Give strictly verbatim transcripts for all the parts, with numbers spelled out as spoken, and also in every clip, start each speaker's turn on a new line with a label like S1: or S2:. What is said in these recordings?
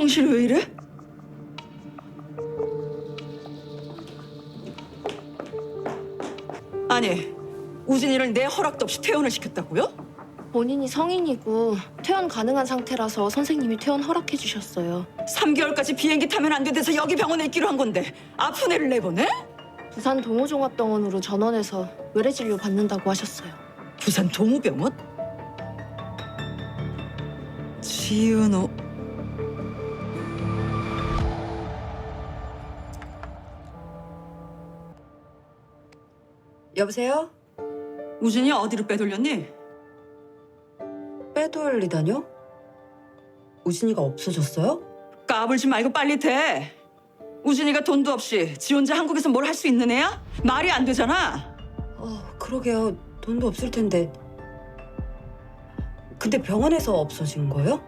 S1: 정신이 왜 이래? 아니, 우진이를 내 허락도 없이 퇴원을 시켰다고요?
S2: 본인이 성인이고 퇴원 가능한 상태라서 선생님이 퇴원 허락해 주셨어요.
S1: 삼 개월까지 비행기 타면 안 된대서 여기 병원에 있기로 한 건데 아픈 애를 내보내?
S2: 부산 동호종합병원으로 전원해서 외래 진료 받는다고 하셨어요.
S1: 부산 동우병원? 지은호.
S3: 여보세요?
S1: 우진이 어디로 빼돌렸니?
S3: 빼돌리다뇨? 우진이가 없어졌어요?
S1: 까불지 말고 빨리 대. 우진이가 돈도 없이 지 혼자 한국에서 뭘 할 수 있는 애야? 말이 안 되잖아.
S3: 어, 그러게요. 돈도 없을 텐데. 근데 병원에서 없어진 거예요?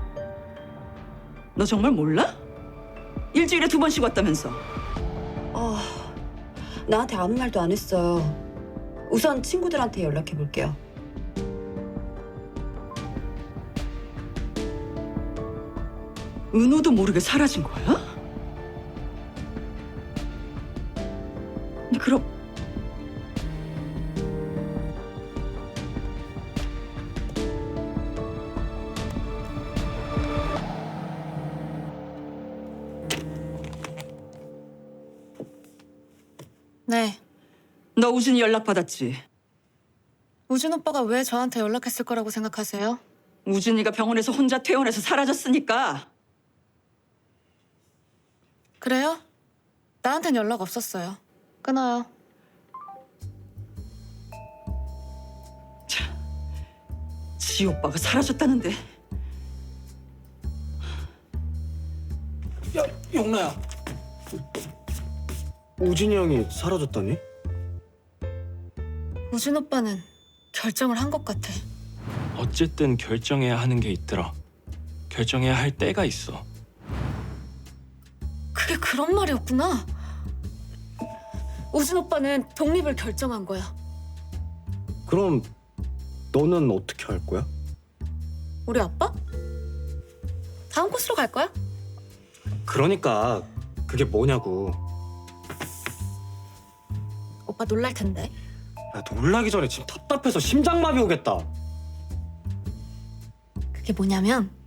S1: 너 정말 몰라? 일주일에 두 번씩 왔다면서.
S3: 아, 나한테 아무 말도 안 했어요. 우선 친구들한테 연락해 볼게요.
S1: 은호도 모르게 사라진 거야? 그럼
S4: 네.
S1: 너 우진이 연락 받았지?
S4: 우진 오빠가 왜 저한테 연락했을 거라고 생각하세요?
S1: 우진이가 병원에서 혼자 퇴원해서 사라졌으니까.
S4: 그래요? 나한텐 연락 없었어요. 끊어요.
S1: 지 오빠가 사라졌다는데.
S5: 야, 영나야. 우진이 형이 사라졌다니?
S4: 우진 오빠는 결정을 한 것 같아.
S6: 어쨌든 결정해야 하는 게 있더라. 결정해야 할 때가 있어.
S4: 그게 그런 말이었구나. 우진 오빠는 독립을 결정한 거야.
S5: 그럼 너는 어떻게 할 거야?
S4: 우리 아빠? 다음 코스로 갈 거야?
S5: 그러니까 그게 뭐냐고.
S4: 오빠 놀랄 텐데.
S5: 야, 놀라기 전에 지금 답답해서 심장마비 오겠다.
S4: 그게 뭐냐면